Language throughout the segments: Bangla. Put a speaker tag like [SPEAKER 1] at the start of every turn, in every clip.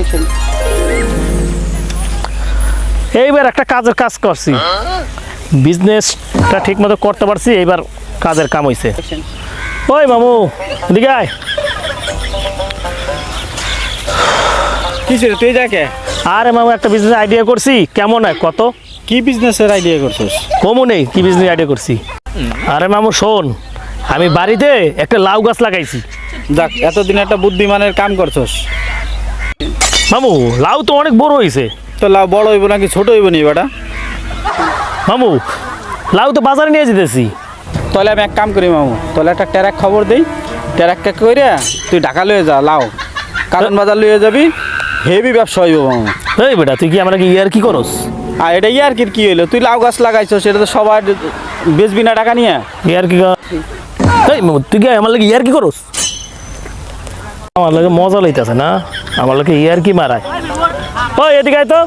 [SPEAKER 1] এইবার একটা কাজের কাজ করছি, বিজনেসটা ঠিক মতো করতে পারছি, এইবার কাজের কাম হইছে। ওই মামু এদিকে আয়।
[SPEAKER 2] কিসের তুই যাকে?
[SPEAKER 1] আরে মামু একটা বিজনেস আইডিয়া করছি, কেমন হয় কত?
[SPEAKER 2] কি বিজনেসের আইডিয়া করছিস?
[SPEAKER 1] কমও নেই, কি বিজনেস আইডিয়া করছি। আরে মামু শোন, আমি বাড়িতে একটা লাউ গাছ লাগাইছি।
[SPEAKER 2] যাক, এতদিন একটা বুদ্ধিমানের কাম করছস।
[SPEAKER 1] মামু লাউ তো অনেক বড় হয়েছে।
[SPEAKER 2] তো লাউ বড় হইব নাকি ছোট হইব নি বেটা?
[SPEAKER 1] মামু লাউ তো বাজারে নিয়ে যেতেছি।
[SPEAKER 2] তাহলে আমি এক কাম করি মামু, তাহলে একটা ট্যারাক খবর দিই, ট্যারাককে কইরা তুই ঢাকা লয়ে যা, লাউ কারণ বাজার লয়ে যাবি, হেভি ব্যবসা হইব মামু।
[SPEAKER 1] এই বেটা তুই কি আমরা কি ইয়ার কি করস?
[SPEAKER 2] আর এটা ইয়ার কি হইলো? তুই লাউ গাছ লাগাইছস, সেটা তো সবার বেচবি না টাকা নিয়ে?
[SPEAKER 1] ইয়ার কি? এই মামু তুই কি আমার লাগে ইয়ার কি করস? আমার লাগে মজা লইতেছে না, আমার লাগে ইয়ার কি মারায়। ওই এদিকে আয় তো।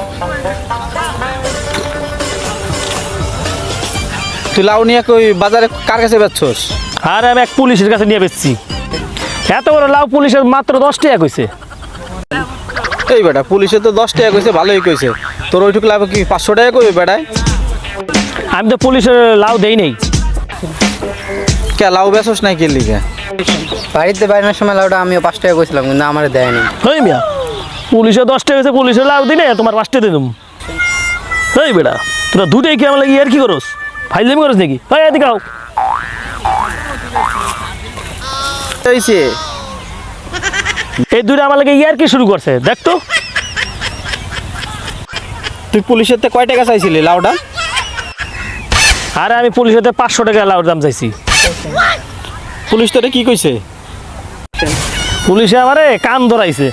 [SPEAKER 2] তুই লাউ নিয়ে কই বাজারে কার কাছে বেচছস?
[SPEAKER 1] আর আমি এক পুলিশের কাছে নিয়ে বেচছি। এত বড় লাউ পুলিশের মাত্র 10 টাকা কইছে।
[SPEAKER 2] এই বেটা, পুলিশে তো 10 টাকা কইছে, ভালোই কইছে, তোর ওইটুকু লাভ কি 500 টাকা কইবে বেটায়?
[SPEAKER 1] আমি তো পুলিশের লাউ দেই নেই।
[SPEAKER 2] কে লাউ বেচছস নাই কে লিগে?
[SPEAKER 3] বাড়িতে বাইরের সময় লাউটা আমিও 5 টাকা কইছিলাম, কিন্তু আমার দেয়নি।
[SPEAKER 1] হই মিয়া, পুলিশে 10 টাকা কইছে, পুলিশের লাউ দিনে তোমার 5 টাকা দিলাম। এই বেটা তোরা দুটোই কি আমার লাগে ইয়ার কি করস? ফাইজলামি করস নাকি? ভাই এদিকে আও।
[SPEAKER 2] হইছে
[SPEAKER 1] এই দুটো আমার লাগে ইয়ার কি শুরু করছে দেখ তো।
[SPEAKER 2] তুই পুলিশের তে কয় টাকা চাইছিলি লাউটা?
[SPEAKER 1] আরে আমি পুলিশের 500 টাকা লাউর দাম চাইছি।
[SPEAKER 2] পুলিশ তোরে কি কইছে?
[SPEAKER 1] পুলিশে আমারে কান ধরাইছে।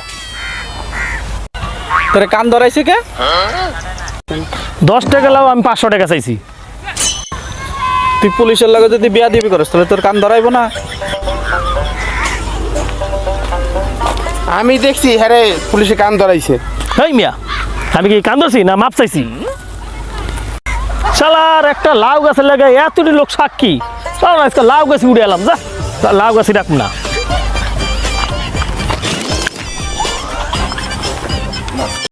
[SPEAKER 2] তোরে কান ধরাইছে কে?
[SPEAKER 1] 10 টাকা লাউ আমি 500 টাকা চাইছি।
[SPEAKER 2] তুই পুলিশের লগে যদি বিয়া দিবি করস তাহলে তোর কান ধরাইবো না?
[SPEAKER 3] আমি দেখছি হ্যাঁ পুলিশে কান ধরাইছে।
[SPEAKER 1] হেই মিয়া, আমি কি কান ধরছি না মাপ চাইছি? শালার একটা লাউ গাছের লাগে এতটি লোক সাক্ষী, চল আজকে লাউ গাছে উড়ে এলাম, যা লাউ গাছে রাখুন না।